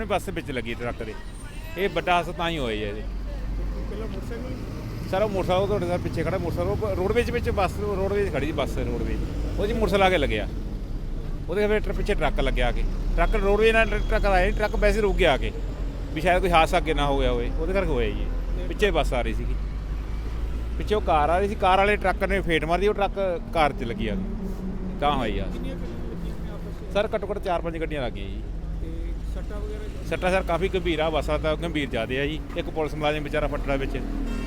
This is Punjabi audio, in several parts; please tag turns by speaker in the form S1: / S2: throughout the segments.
S1: ਸਾਹਮਣੇ ਬੱਸ ਦੇ ਵਿੱਚ ਲੱਗੀ ਟਰੱਕ ਦੇ। ਇਹ ਵੱਡਾ ਹਾਦਸਾ ਤਾਂ ਹੀ ਹੋਇਆ ਜੀ।
S2: ਪਹਿਲਾਂ ਮੋਟਰਸਾਈਕਲ
S1: ਸਰ ਉਹ ਮੋਟਰਸਾਈਕਲ ਤੁਹਾਡੇ ਨਾਲ ਪਿੱਛੇ ਖੜਾ ਮੋਟਰਸਾਈਕਲ ਰੋਡਵੇਜ ਵਿੱਚ ਬੱਸ ਰੋਡਵੇਜ ਖੜੀ ਸੀ ਬੱਸ ਰੋਡਵੇਜ ਉਹ ਜੀ ਮੋਟਰਸਾਈਕਲ ਆ ਕੇ ਲੱਗਿਆ ਉਹਦੇ ਫਿਰ ਪਿੱਛੇ ਟਰੱਕ ਲੱਗਿਆ ਆ ਕੇ ਟਰੱਕ ਰੋਡਵੇਜ ਨਾਲ ਟਰੱਕ ਆਇਆ ਟਰੱਕ ਵੈਸੇ ਰੁਕ ਗਿਆ ਆ ਕੇ ਵੀ ਸ਼ਾਇਦ ਕੋਈ ਹਾਦਸਾ ਅੱਗੇ ਨਾ ਹੋ ਗਿਆ ਹੋਵੇ ਉਹਦੇ ਕਰਕੇ ਹੋਇਆ ਜੀ। ਪਿੱਛੇ ਬੱਸ ਆ ਰਹੀ ਸੀਗੀ ਪਿੱਛੇ ਉਹ ਕਾਰ ਆ ਰਹੀ ਸੀ ਕਾਰ ਵਾਲੇ ਟਰੱਕ ਨੇ ਫੇਟ ਮਾਰਦੀ ਉਹ ਟਰੱਕ ਕਾਰ 'ਚ ਲੱਗੀ ਆ ਤਾਂ ਹੋਈ ਆ ਸਰ ਘੱਟੋ ਘੱਟ 4-5 ਗੱਡੀਆਂ ਲੱਗ ਗਈਆਂ ਜੀ।
S2: ਤੇ ਸੱਟਾਂ ਵਗੈਰਾ
S1: ਸੱਟਾਂ ਸਰ ਕਾਫੀ ਗੰਭੀਰ ਆ ਬੱਸਾਂ ਤਾਂ ਗੰਭੀਰ ਜ਼ਿਆਦੇ ਆ ਜੀ। ਇੱਕ ਪੁਲਿਸ ਮੁਲਾਜ਼ਮ ਵਿਚਾਰਾ ਫੱਟੜਾ ਵਿੱਚ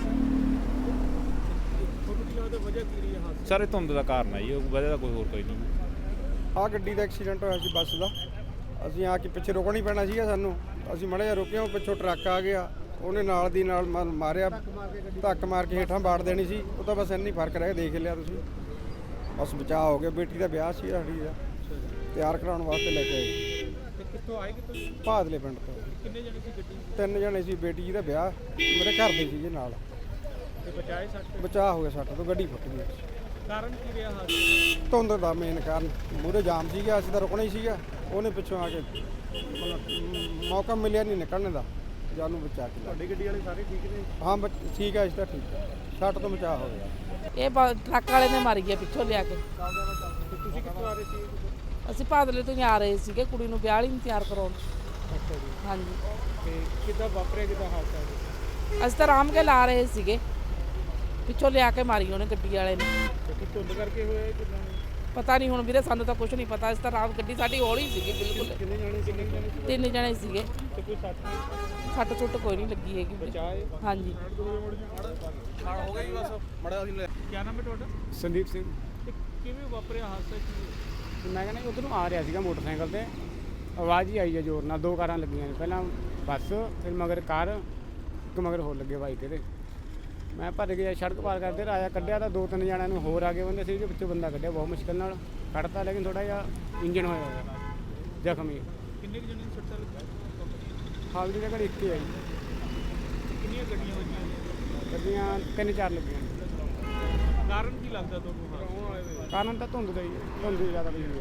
S2: ਤੁਹਾਨੂੰ ਕੀ ਲੱਗਦਾ ਵਜ੍ਹਾ ਕੀ ਰਹੀ ਹੈ ਹਾਦਸੇ
S1: ਸਰ ਇਹ ਧੁੰਦ ਦਾ ਕਾਰਨ ਆ ਜੀ ਉਹ ਵਜ੍ਹਾ ਦਾ ਕੋਈ ਹੋਰ ਕੋਈ ਨਹੀਂ।
S3: ਆਹ ਗੱਡੀ ਦਾ ਐਕਸੀਡੈਂਟ ਹੋਇਆ ਸੀ ਬੱਸ ਦਾ। ਅਸੀਂ ਆ ਕੇ ਪਿੱਛੇ ਰੁਕਣਾ ਹੀ ਪੈਣਾ ਸੀਗਾ ਸਾਨੂੰ। ਅਸੀਂ ਮਾੜਾ ਜਿਹਾ ਰੁਕੇ ਉਹ ਪਿੱਛੋਂ ਟਰੱਕ ਆ ਗਿਆ ਉਹਨੇ ਨਾਲ ਦੀ ਨਾਲ ਮਾਰਿਆ ਧੱਕ ਮਾਰ ਕੇ ਹੇਠਾਂ ਬਾੜ ਦੇਣੀ ਸੀ। ਉਹ ਤਾਂ ਬਸ ਇੰਨੀ ਫਰਕ ਰਹਿ ਦੇਖ ਲਿਆ ਤੁਸੀਂ ਬਸ ਬਚਾਅ ਹੋ ਗਿਆ। ਬੇਟੀ ਦਾ ਵਿਆਹ ਸੀ ਸਾਡੀ ਦਾ ਤਿਆਰ ਕਰਾਉਣ ਵਾਸਤੇ ਲੈ ਕੇ ਆਏ
S2: ਤੇ ਕਿੱਥੋਂ ਆਏ ਕਿੱਥੋਂ
S3: ਭਾਦਲੇ ਪਿੰਡ ਤੋਂ।
S2: ਕਿੰਨੇ ਜਣੇ ਸੀ ਗੱਡੀ
S3: 3 ਜਣੇ ਸੀ। ਬੇਟੀ ਜੀ ਦਾ ਵਿਆਹ ਮੇਰੇ ਘਰ ਦੇ ਸੀਗੇ ਨਾਲ।
S2: ਤੇ ਬਚਾਏ ਸੱਟ
S3: ਬਚਾਅ ਹੋ ਗਿਆ ਸੱਟ ਤੋਂ ਗੱਡੀ ਫੁੱਟ ਗਈ।
S2: ਕਾਰਨ ਕੀ ਰਿਹਾ ਹਾਦਸੇ
S3: ਧੁੰਦ ਦਾ ਮੇਨ ਕਾਰਨ ਮੂਹਰੇ ਜਾਮ ਸੀਗਾ ਅਸੀਂ ਤਾਂ ਰੁਕਣਾ ਹੀ ਸੀਗਾ ਉਹਨੇ ਪਿੱਛੋਂ ਆ ਕੇ ਮਤਲਬ ਮੌਕਾ ਮਿਲਿਆ ਨਹੀਂ ਨਿਕਲਣ ਦਾ ਜਾਨੂੰ ਬਚਾ ਕੇ ਲਿਆ।
S2: ਤੁਹਾਡੀ ਗੱਡੀ ਵਾਲੇ ਸਾਰੇ ਠੀਕ ਨੇ
S3: ਹਾਂ ਠੀਕ ਹੈ ਇਸ ਤਾਂ ਠੀਕ ਹੈ ਸੱਟ ਤੋਂ ਬਚਾਅ ਹੋ ਗਿਆ।
S4: ਇਹ ਟਰੱਕ ਵਾਲੇ ਨੇ ਮਾਰੀ ਗਿਆ ਪਿੱਛੋਂ ਲਿਆ ਕੇ।
S2: ਤੇ ਤੁਸੀਂ ਕਿੱਥੋਂ ਆ ਰਹੇ ਸੀ
S4: ਅਸੀਂ ਭਾਦਲੇ ਤੋਂ ਹੀ ਆ ਰਹੇ ਸੀਗੇ ਕੁੜੀ ਨੂੰ ਵਿਆਹ ਲਈ ਤਿਆਰ ਕਰਾਉਣ।
S2: ਅੱਛਾ ਜੀ
S4: ਹਾਂਜੀ
S2: ਤੇ ਕਿੱਦਾਂ ਵਾਪਰਿਆ ਕਿੱਦਾਂ ਹਾਦਸਾ ਜੀ
S4: ਅਸੀਂ ਤਾਂ ਆਰਾਮ ਕੇ ਲਾ ਰਹੇ ਸੀਗੇ ਪਿੱਛੋਂ ਲਿਆ ਕੇ ਮਾਰੀ ਉਹਨੇ ਗੱਡੀ ਵਾਲੇ ਨੇ।
S2: ਤੇ ਕੀ ਧੁੰਦ ਕਰਕੇ ਹੋਇਆ ਕਿੰਨਾ
S4: ਪਤਾ ਨਹੀਂ ਹੁਣ ਵੀਰੇ ਸਾਨੂੰ ਤਾਂ ਕੁਝ ਨਹੀਂ ਪਤਾ। ਅਸੀਂ ਤਾਂ ਆਰਾਮ ਗੱਡੀ ਸਾਡੀ ਹੌਲੀ ਸੀਗੀ ਬਿਲਕੁਲ।
S2: ਕਿੰਨੇ ਜਾਣੇ ਸੀ
S4: 3 ਜਣੇ ਸੀਗੇ।
S2: ਤੇ ਕੋਈ ਸੱਟ ਨਹੀਂ
S4: ਸੱਟ ਸੁੱਟ ਕੋਈ ਨਹੀਂ ਲੱਗੀ ਹੈਗੀ ਵੀਰੇ।
S2: ਬਚਾਏ
S4: ਹਾਂਜੀ
S2: ਹੋ ਗਈ ਬਸ ਮੜਾ ਅਸੀਂ ਕੀ ਨਾਮ ਹੈ ਤੁਹਾਡਾ
S3: ਸੰਦੀਪ ਸਿੰਘ
S2: ਤੇ ਕਿਵੇਂ ਵਾਪਰਿਆ ਹਾਦਸਾ ਕੀ
S3: ਮੈਂ ਕਹਿੰਦਾ ਉਧਰੋਂ ਆ ਰਿਹਾ ਸੀਗਾ ਮੋਟਰਸਾਈਕਲ ਤੇ ਆਵਾਜ਼ ਹੀ ਆਈ ਹੈ ਜ਼ੋਰ ਨਾਲ। 2 ਕਾਰਾਂ ਲੱਗੀਆਂ ਨੇ ਪਹਿਲਾਂ ਬੱਸ ਫਿਰ ਮਗਰ ਕਾਰ ਇੱਕ ਮਗਰ ਹੋਰ ਲੱਗੇ ਬਾਈਕ ਇਹਦੇ। ਮੈਂ ਭੱਜ ਗਿਆ ਸੜਕ ਪਾਰ ਕਰਦੇ ਰਾਇਆ ਕੱਢਿਆ ਤਾਂ 2-3 ਜਣਿਆਂ ਨੂੰ ਹੋਰ ਆ ਗਏ ਬੰਦੇ ਸੀ ਜਿਹਦੇ ਵਿੱਚੋਂ ਬੰਦਾ ਕੱਢਿਆ ਬਹੁਤ ਮੁਸ਼ਕਿਲ ਨਾਲ ਕੱਢਤਾ ਲੇਕਿਨ ਥੋੜਾ ਜਿਹਾ ਇੰਜਨ ਹੋਇਆ ਹੋਇਆ ਜ਼ਖਮੀ।
S2: ਕਿੰਨੇ ਕੁ ਜਣੇ ਨੂੰ ਸੱਟਾਂ ਲੱਗੀਆਂ
S3: ਹਾਲ ਦੀ ਜਗ੍ਹਾ ਇੱਕ ਹੀ ਆਈ
S2: ਕਿੰਨੀਆਂ ਗੱਡੀਆਂ ਵੱਜੀਆਂ
S3: ਗੱਡੀਆਂ 3-4 ਲੱਗੀਆਂ ਨੇ।
S2: ਕਾਰਨ ਕੀ ਲੱਗਦਾ ਤੁਹਾਨੂੰ ਹਾਦਸੇ
S3: ਕਾਰਨ ਤਾਂ ਧੁੰਦ ਦਾ ਹੀ ਹੈ ਧੁੰਦ ਦੀ ਜ਼ਿਆਦਾ ਪਈ ਹੋਈ ਹੈ।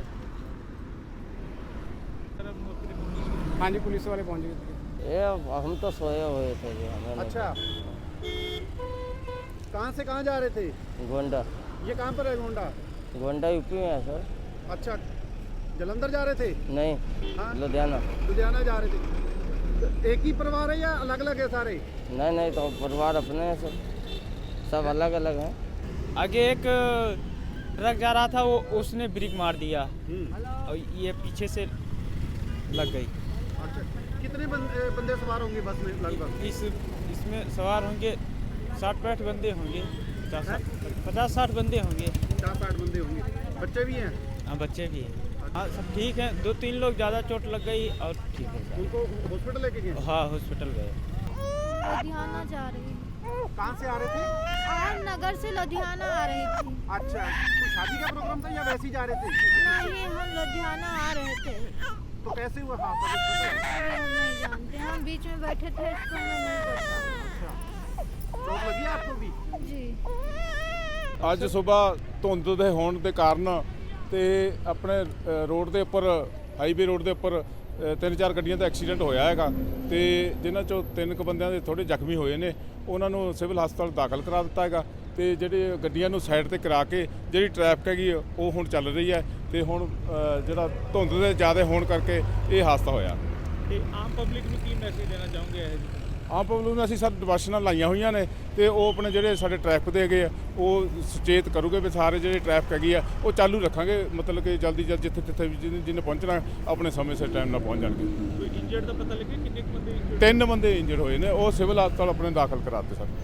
S2: ਦਾ ਮੌਕੇ ਤੇ ਪੁਲਿਸ
S3: ਹਾਂਜੀ ਪੁਲਿਸ ਵਾਲੇ पहुंच गए।
S5: ये हम तो सोए हुए थे जी हमें
S2: अच्छा कहाँ से कहाँ जा रहे थे
S5: गोंडा
S2: ये कहाँ पर है गोंडा
S5: गोंडा यूपी में है सर।
S2: अच्छा जलंधर जा रहे थे
S5: नहीं
S2: हाँ
S5: लुधियाना।
S2: लुधियाना जा रहे थे तो एक ही परिवार है या अलग अलग है सारे
S5: नहीं तो परिवार अपने हैं सब अलग अलग हैं।
S6: आगे एक ट्रक जा रहा था वो उसने ब्रेक मार दिया और ये पीछे से लग गई।
S2: अच्छा कितने बंदे सवार होंगे बस में लगभग
S6: इसमें सवार होंगे 60-65 बंदे होंगे 50-60 बंदे होंगे।
S2: 50-60 बंदे होंगे बच्चे भी हैं
S6: हाँ बच्चे भी हैं। हाँ सब ठीक है 2-3 लोग ज़्यादा चोट लग गई और ठीक है सब।
S2: उनको हॉस्पिटल लेके गए
S6: हाँ हॉस्पिटल गए।
S7: लुधियाना जा रही हूँ।
S2: कहाँ से आ रहे थे
S7: और नगर से लुधियाना आ रही थी।
S2: अच्छा कोई शादी का प्रोग्राम था या वैसे ही जा रहे थे
S7: नहीं हम लुधियाना आ रहे थे।
S2: तो कैसे हुआ हादसा कुछ पता है?
S7: अरे हम नहीं जानते हम बीच में बैठे थे इसको हमें नहीं पता।
S2: चोट लगी है आपको भी
S7: जी
S8: ਅੱਜ ਸਵੇਰ ਧੁੰਦ ਦੇ ਹੋਣ ਦੇ ਕਾਰਨ ਤੇ ਆਪਣੇ ਰੋਡ ਦੇ ਉੱਪਰ ਹਾਈਵੇ ਰੋਡ ਦੇ ਉੱਪਰ 3-4 ਗੱਡੀਆਂ ਦਾ ਐਕਸੀਡੈਂਟ ਹੋਇਆ ਹੈਗਾ ਤੇ ਜਿਨ੍ਹਾਂ ਚੋਂ 3 ਕੁ ਬੰਦਿਆਂ ਦੇ ਥੋੜੇ ਜ਼ਖਮੀ ਹੋਏ ਨੇ ਉਹਨਾਂ ਨੂੰ ਸਿਵਲ ਹਸਪਤਾਲ ਦਾਖਲ ਕਰਾ ਦਿੱਤਾ ਹੈਗਾ ਤੇ ਜਿਹੜੇ ਗੱਡੀਆਂ ਨੂੰ ਸਾਈਡ ਤੇ ਕਰਾ ਕੇ ਜਿਹੜੀ ਟ੍ਰੈਫਿਕ ਹੈਗੀ ਉਹ ਹੁਣ ਚੱਲ ਰਹੀ ਹੈ ਤੇ ਹੁਣ ਜਿਹੜਾ ਧੁੰਦ ਦੇ ਜ਼ਿਆਦਾ ਹੋਣ ਕਰਕੇ ਇਹ ਹਾਦਸਾ ਹੋਇਆ।
S2: ਤੇ ਆਮ ਪਬਲਿਕ ਨੂੰ ਕੀ ਮੈਸੇਜ ਦੇਣਾ ਚਾਹੋਗੇ ਇਹ ਜੀ
S8: ਆਮ ਪਬਲਿਕ ਨੂੰ ਅਸੀਂ ਸਰ ਡਿਵਰਸ਼ਨਾਂ ਲਾਈਆਂ ਹੋਈਆਂ ਨੇ ਤੇ ਉਹ ਆਪਣੇ ਜਿਹੜੇ ਸਾਡੇ ਟ੍ਰੈਫਿਕ ਦੇ ਹੈਗੇ ਆ ਉਹ ਸੁਚੇਤ ਕਰੂਗੇ ਵੀ ਸਾਰੇ ਜਿਹੜੇ ਟ੍ਰੈਫਿਕ ਹੈਗੀ ਆ ਉਹ ਚਾਲੂ ਰੱਖਾਂਗੇ ਮਤਲਬ ਕਿ ਜਲਦੀ ਜਿੱਥੇ ਵੀ ਜਿਹਨੇ ਪਹੁੰਚਣਾ ਆਪਣੇ ਸਮੇਂ ਸਿਰ ਟਾਈਮ ਨਾਲ ਪਹੁੰਚ ਜਾਣਗੇ।
S2: ਕੋਈ ਇੰਜਰਡ ਦਾ ਪਤਾ ਲੱਗਿਆ ਕਿੰਨੇ ਕੁ ਬੰਦੇ ਇੰਜਰਡ
S8: 3 ਬੰਦੇ ਇੰਜਰਡ ਹੋਏ ਨੇ ਉਹ ਸਿਵਲ ਹਸਪਤਾਲ ਆਪਣੇ ਦਾਖਲ ਕਰਾਤੇ ਸਰ।